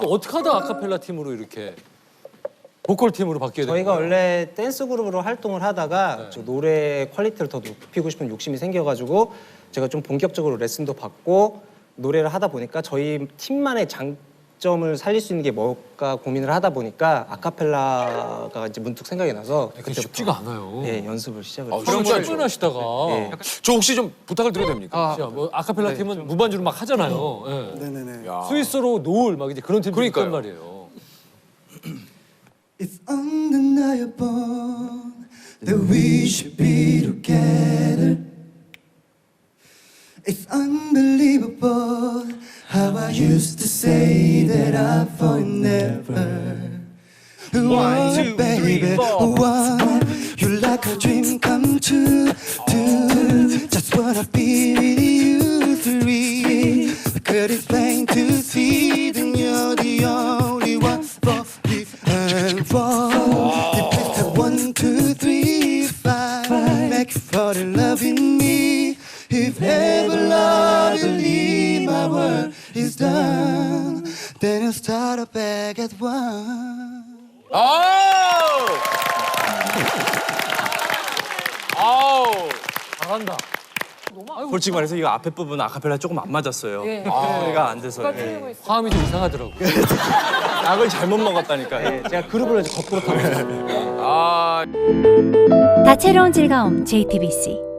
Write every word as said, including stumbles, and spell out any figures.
어떻게 하다 아카펠라 팀으로 이렇게 보컬 팀으로 바뀌게 된 저희가 거예요? 원래 댄스 그룹으로 활동을 하다가 네. 저 노래 퀄리티를 더 높이고 싶은 욕심이 생겨가지고 제가 좀 본격적으로 레슨도 받고 노래를 하다 보니까 저희 팀만의 장점을 살릴 수 있는 게 뭘까 고민을 하다 보니까 아카펠라가 이제 문득 생각이 나서 그게 쉽지가 않아요. 예, 연습을 시작을 아, 했어요. 이런 진짜 걸 출연하시다가 예. 저 혹시 좀 부탁을 드려도 됩니까? 진짜 뭐 아카펠라 팀은 무반주로 막 하잖아요. 예. 네네네. 야. 스위스로 노을 막 이제 그런 팀들이 있단 그러니까요. 말이에요. It's undeniable that we should be together. It's unbelievable how I used to say that I thought never. One, two, baby, one, you're like a dream come true. Two, just wanna be with you. Three, I could explain to see that you're the only one for me. And four, you picked up one, two, three, five, make you fall in love with me. If ever love you leave, my world is done. Then I'll start up back at one. 아우! 아우! 잘한다. 솔직히 말해서 이거 앞에 부분 아카펠라 조금 안 맞았어요. 소리가 안 돼서. 예. 화음이 좀 이상하더라고. 약을 잘못 먹었다니까. 예, 제가 그룹을 이제 거꾸로 타고 아. 다채로운 즐거움 제이티비씨